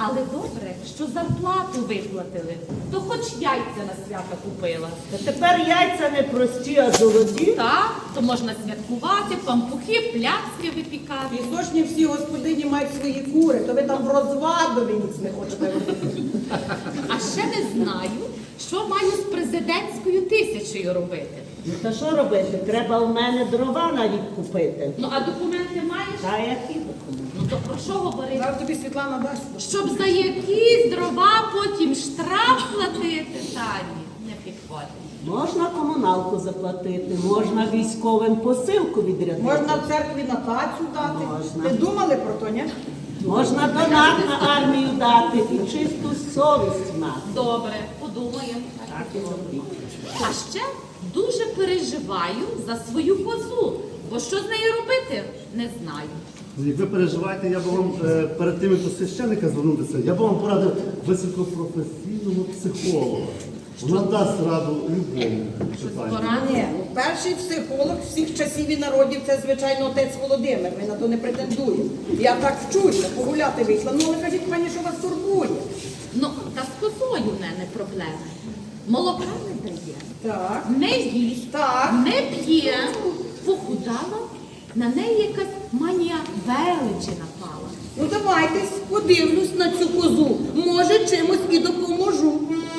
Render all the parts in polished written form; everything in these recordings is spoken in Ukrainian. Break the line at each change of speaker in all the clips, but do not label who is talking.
Але добре, що зарплату виплатили, то хоч яйця на свято купила.
Та тепер яйця не прості, а золоті.
Так, то можна святкувати, пампухи, пляцки випікати.
Пісочні всі господині мають свої кури, то ви там в розвадові ніц не хочете робити.
А ще не знаю, що маю з президентською 1000 робити.
Ну та що робити? Треба в мене дрова навіть купити.
Ну, а документи маєш?
Та які документи?
Ну, то про що говорити?
Зараз тобі Світлана дасть.
Щоб за якісь дрова потім штраф платити, Тані, не підходить.
Можна комуналку заплатити, можна військовим посилку відрядити.
Можна в церкві на тацю дати.
Можна.
Ви думали про то, ні?
Можна донат на армію дати і чисту совість мати.
Добре, подумаємо.
Так і робіть.
А ще дуже переживаю за свою козу, бо що з нею робити, не знаю.
Як ви переживаєте, я б вам перед тим, як до священника звернутися, я б вам порадив високопрофесійного психолога. Вона дасть раду любому питанню.
Ні, ну, перший психолог всіх часів і народів це, звичайно, отець Володимир. Ми на то не претендуємо. Я так вчуся, погуляти вийшла. Ну, але кажіть, пані, що вас турбує?
Ну, та з козою в мене проблеми. Молока не дає,
Так.
не їсть,
Так.
не п'є, похудала, на неї якась манія величі напала.
Ну, давайтесь, подивлюсь на цю козу. Може, чимось і допоможу.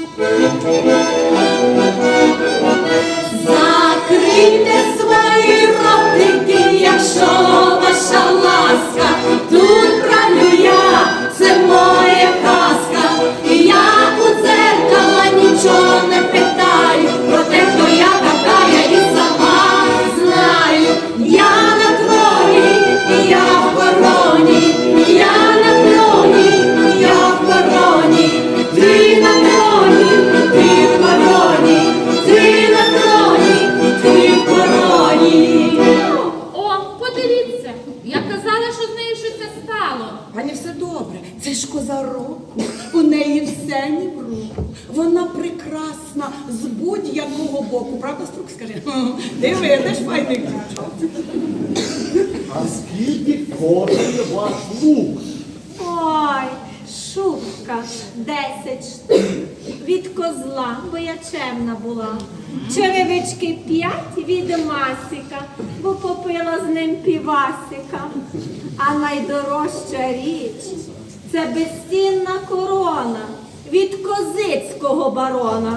Закрийте свої ротики, якщо ваша ласка, тут правлю я, це моя казка, і я у дзеркала нічого не питаю, про те, хто я така, я і сама знаю. Я на троні, я в короні, я на троні, я в короні, ти на троні, ти в короні, ти на троні, ти в короні.
О, подивіться, я казала, що з нею щось стало.
Пані, все добре. Це ж коза року. У неї все ні в руку. Вона прекрасна з будь-якого боку. Правда, Струк, скажи? Ти видиш, файний дівчат.
А скільки коштує ваш лук?
Ой, шубка 10 штук від козла, бо я чемна була. Черевички 5 від Масіка, бо попила з ним півасика. А найдорожча річ – це безцінна корона від козицького барона.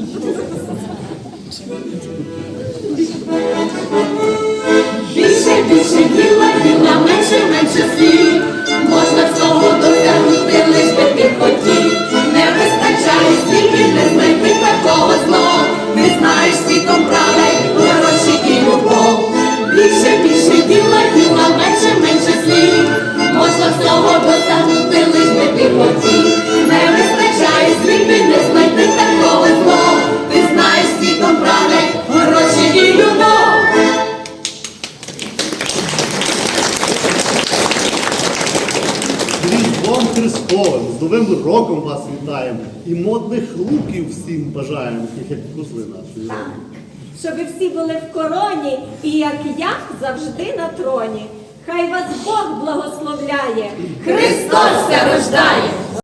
Більше, більше діла, діла, менше, менше слів. Можна всього досягнути, лиш би ти хотів. Не вистачає стільки, не знайти такого знов. Не знаєш світом правил, гроші і любов. Більше, більше діла, діла, менше, менше слів. Можна всього досягнути, лиш би ти хотів. Не вистачає стільки, не знайти такого знов. Ти знаєш світом правил, гроші і любов.
Різдвом Христовим, з Новим роком вас вітаємо і модних луків всім бажаємо, таких як козли нашої.
Щоб ви всі були в короні і, як я, завжди на троні. Хай вас Бог благословляє.
Христос ся рождає!